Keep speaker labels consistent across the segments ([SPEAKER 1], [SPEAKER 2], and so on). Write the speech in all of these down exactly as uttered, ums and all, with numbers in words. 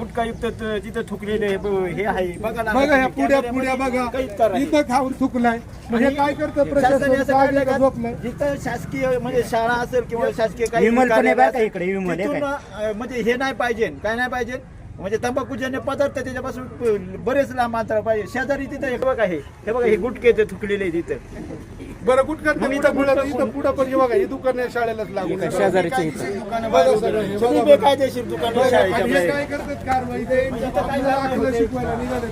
[SPEAKER 1] गुटखायुक्त त- तिथं थुकलेले हे ब- हे आहे बघा ना.
[SPEAKER 2] बघा ह्या पुड्या पुड्या बघा इथं खाऊन थुकलाय म्हणजे काय करतं प्रशासन जागलं का झोपलंय
[SPEAKER 1] जिथं शासकीय म्हणजे शाळा असेल किंवा शासकीय काही
[SPEAKER 3] विमल पण आहे
[SPEAKER 1] कार्यालय
[SPEAKER 3] बरं का
[SPEAKER 1] असेल,
[SPEAKER 3] इकडे, विमल आहे
[SPEAKER 1] तिथून,
[SPEAKER 3] काय?
[SPEAKER 1] अं, म्हणजे हे नाही पाहिजे काय नाही पाहिजे म्हणजे तंबाखूजन्य पदार्थ त्याच्यापासून प- बरेच लांब अंतर पाहिजे. शेजारी तिथं हे बघा हे हे बघा हे गुटखे ते थुकलेले तिथं.
[SPEAKER 2] बरं गुटखा इथं पुढं इथं पुढं पण हे बघा ही दुकान आहे शाळेलाच लागून
[SPEAKER 1] शेजारीचे दुकानं
[SPEAKER 2] बघा
[SPEAKER 1] बाहेर
[SPEAKER 2] सगळं हे
[SPEAKER 1] उभी. सगळी
[SPEAKER 2] बघा.
[SPEAKER 1] बेकायदेशीर दुकानं शाळेच्या
[SPEAKER 2] आणि हे
[SPEAKER 1] बाहेर.
[SPEAKER 2] काय करतात कारवाई ते
[SPEAKER 1] इथं काय
[SPEAKER 2] आपल्याला आपलं शिकवायला निघाले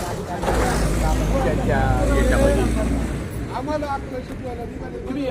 [SPEAKER 2] आम्हाला आपलं शिकवायला निघाले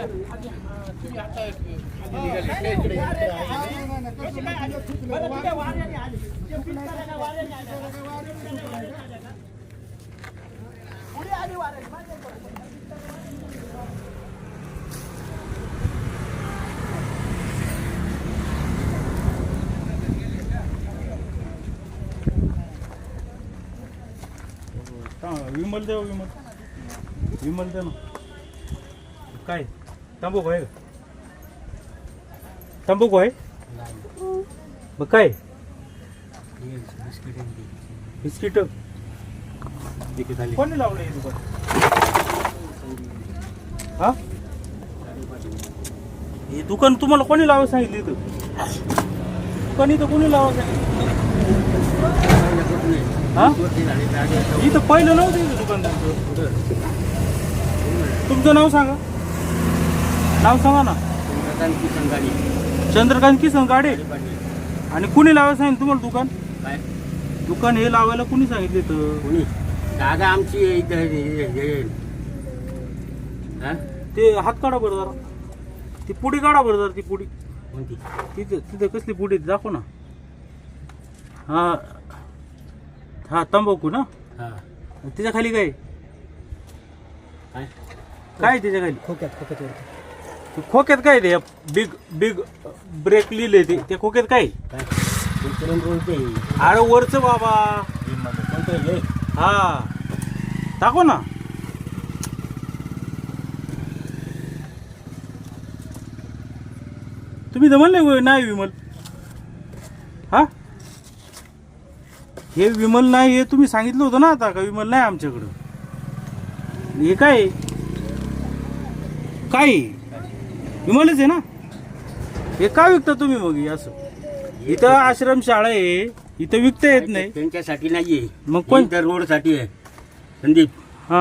[SPEAKER 4] विमल देव विमल विमल दे ना काय तंबाखू आहे का तंबाखू आहे मग काय बिस्किट कोणी लावलं हे दुकान हा हे दुकान तुम्हाला कोणी लावा सांगितलं इथं दुकान इथं कोणी लावा सांगितलं हा इथं पहिलं नव्हतं इथं दुकान तुमचं तुमचं नाव सांगा नाव सांगा ना चंद्रकांत किसन गाडे आणि कुणी लावायला सांगितलं तुम्हाला दुकान
[SPEAKER 5] काय
[SPEAKER 4] दुकान हे लावायला कुणी सांगितलं इथं
[SPEAKER 5] कोणी दादा आमची इथं हे- हे- हा?
[SPEAKER 4] ते हात काढा बरं जरा ती पुडी काढा बरं जरा ती पुडी
[SPEAKER 5] कोणती
[SPEAKER 4] तिथं तिथं कसली पुडी दाखव ना हा हा तंबाखू ना
[SPEAKER 5] हा
[SPEAKER 4] त्याच्या खाली काय
[SPEAKER 5] काय
[SPEAKER 4] काय त्याच्या खाली
[SPEAKER 3] खोक्यात खोक्यात
[SPEAKER 4] ते खोक्यात काय ते बिग बिग ब्रेक लिहिले ते त्या खोक्यात काय
[SPEAKER 5] काय विचारून बोलते
[SPEAKER 4] अरे वरचं बाबा
[SPEAKER 5] कोणतं हे
[SPEAKER 4] हा दाखव ना तुम्ही तर म्हणले नाही विमल हा हे विमल नाही हे तुम्ही सांगितलं होतं ना आता का विमल नाही आमच्याकडं हे काय आहे? काय आहे? विमलच आहे ना हे का विकता तुम्ही मग हे असं इथं आश्रम शाळा आहे इथं विकता येत नाही
[SPEAKER 5] त्यांच्यासाठी नाहीये
[SPEAKER 4] मग कोण?
[SPEAKER 5] कोण रोड साठी आहे संदीप
[SPEAKER 4] हा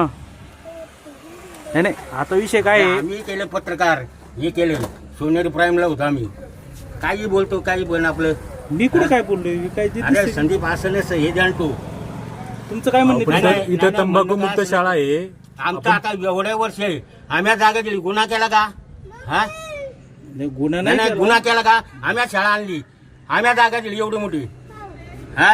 [SPEAKER 4] नाही नाही आता विषय काय आहे
[SPEAKER 5] आम्ही केलं पत्रकार हे केलं सोनेरी प्राईमला होतो आम्ही काही बोलतो काही पण आपलं
[SPEAKER 4] मी कुठे काय बोललोय मी काय ते
[SPEAKER 5] अरे
[SPEAKER 4] दिसतंय.
[SPEAKER 5] संदीप असं नसतं हे जाणतो
[SPEAKER 4] तुमचं काय म्हणणं
[SPEAKER 5] नाही,
[SPEAKER 4] आहे?
[SPEAKER 5] नाही,
[SPEAKER 6] इथं
[SPEAKER 5] नाही,
[SPEAKER 6] तंबाखू
[SPEAKER 5] म्हणणं
[SPEAKER 6] मुक्त
[SPEAKER 5] काय
[SPEAKER 6] शाळा आहे
[SPEAKER 5] आमचं आता एवढ्या वर्ष आहे आम्ही या जागा दिली गुन्हा केला का हा
[SPEAKER 4] नाही, गुन्हा
[SPEAKER 5] नाही
[SPEAKER 4] नाही
[SPEAKER 5] नाही
[SPEAKER 4] केला.
[SPEAKER 5] गुन्हा केला का आम्ही आज शाळा आणली आम्ही आज जागा दिली एवढी मोठी हा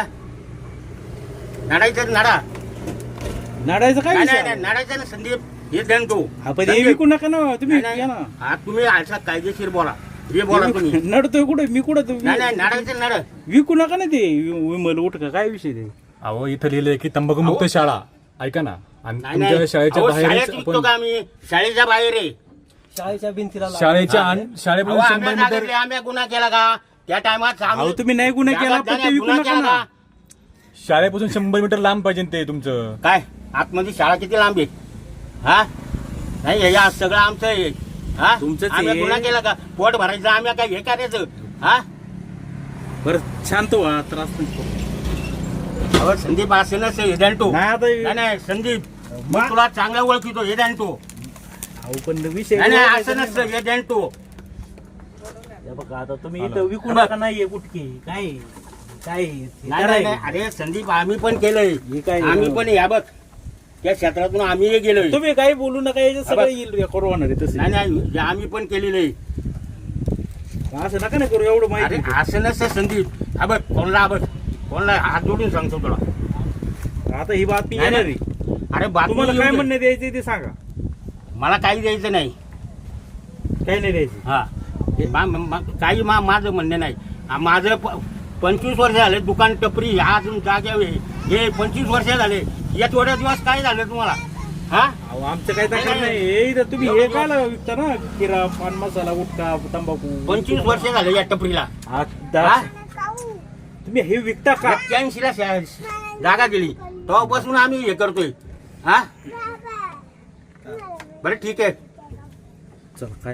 [SPEAKER 5] नडायचं नडा
[SPEAKER 4] नाडायचं काय
[SPEAKER 5] नाही
[SPEAKER 4] विषय
[SPEAKER 5] नाही
[SPEAKER 4] आहे?
[SPEAKER 5] नडायचं ना संदीप हे जाणतो
[SPEAKER 4] आपण हे विकू नका ना तुम्ही या ना
[SPEAKER 5] हा तुम्ही असा कायदेशीर बोला हे बोला तुम्ही
[SPEAKER 4] नडतोय कुठे मी कुठं
[SPEAKER 5] नाही नाही नडायचं नड
[SPEAKER 4] विकू नका ना ते वि- विमल उठ का काय विषय ते
[SPEAKER 6] अहो इथं लिहिलंय की तंबाखू मुक्त शाळा ऐका ना आणि
[SPEAKER 5] नाही
[SPEAKER 6] तुमच्या
[SPEAKER 5] नाही
[SPEAKER 6] शाळेच्या
[SPEAKER 5] अहो,
[SPEAKER 6] बाहेरच
[SPEAKER 5] शाळेत विकतो
[SPEAKER 6] आपण
[SPEAKER 5] का आम्ही शाळेच्या बाहेर आहे
[SPEAKER 3] शाळेच्या भिंतीला लावून.
[SPEAKER 6] शाळेच्या आण-
[SPEAKER 5] अहो,
[SPEAKER 6] शाळेपासून
[SPEAKER 5] आम्ही
[SPEAKER 6] शंभर
[SPEAKER 5] जागा
[SPEAKER 6] मीटर
[SPEAKER 5] दिली, आम्ही गुन्हा केला का त्या टायमात
[SPEAKER 4] अहो तुम्ही नाही गुन्हा केला पण ते विकू नका ना
[SPEAKER 6] शाळेपासून शंभर मीटर लांब पाहिजे ते तुमचं
[SPEAKER 5] काय आतमध्ये शाळा किती लांब आहे हा नाही हे या सगळं आमचं आहे हा
[SPEAKER 4] तुमचंच
[SPEAKER 5] आम्ही
[SPEAKER 4] आहे.
[SPEAKER 5] गुन्हा केला का पोट भरायचं आम्ही काय हे करायचं हा
[SPEAKER 4] बरं शांत व्हा त्रास नको.
[SPEAKER 5] अहो संदीप असं नसतं हे जाणतो
[SPEAKER 4] नाही आता
[SPEAKER 5] नाही नाही संदीप मग तुला चांगला ओळखितो हे जाणतो
[SPEAKER 4] अहो पण विषय
[SPEAKER 5] नाही नाही असं नसतं हे जाणतो
[SPEAKER 4] हे बघा आता तुम्ही इथं विकू नका नाहीये कुठके काय काय हे
[SPEAKER 5] नाही नाही नाही. अरे संदीप आम्ही पण केलंय
[SPEAKER 4] हे काय
[SPEAKER 5] आम्ही पण या बघ त्या क्षेत्रातून आम्ही गेलोय
[SPEAKER 4] तुम्ही काही बोलू नका याच्यात सगळं येईल रेकॉर्ड होणार आहे तसं
[SPEAKER 5] नाही नाही हे आम्ही पण केलेलं आहे
[SPEAKER 4] असं नका ना करू एवढं
[SPEAKER 5] अरे
[SPEAKER 4] माहिती
[SPEAKER 5] असं नसतं संदीप हा बघ कोणला हा बघ कोणला हात जोडून सांगतो तुला
[SPEAKER 4] आता ही बातमी
[SPEAKER 5] नाही,
[SPEAKER 4] येणार
[SPEAKER 5] नाही.
[SPEAKER 4] आहे
[SPEAKER 5] अरे बातमी
[SPEAKER 4] तुम्हाला काय
[SPEAKER 5] येऊ दे.
[SPEAKER 4] म्हणणं द्यायचं ते सांगा
[SPEAKER 5] मला काही द्यायचं नाही
[SPEAKER 4] काही नाही द्यायचं
[SPEAKER 5] हा हे मा- मा- काही मा माझं म्हणणं नाही आ, माझं प- पंचवीस वर्ष झाले दुकान टपरी हा अजून जाग्यावर आहे. हे पंचवीस वर्ष झाले या थोड्या दिवस काय झालं तुम्हाला हा
[SPEAKER 4] अहो आमचं काही तक्रार नाही हे इथं तुम्ही हे काय विकता ना किरा पान मसाला गुटखा तंबाखू
[SPEAKER 5] पंचवीस वर्ष झाले या टपरीला
[SPEAKER 4] आ,
[SPEAKER 5] हा?
[SPEAKER 4] दा- तुम्ही तुम्ही हे विकता का?
[SPEAKER 5] एक्क्याऐंशी ला शा- जागा गेली तेव्हापासून आम्ही हे करतोय हा बरं ठीक आहे.
[SPEAKER 4] चल काय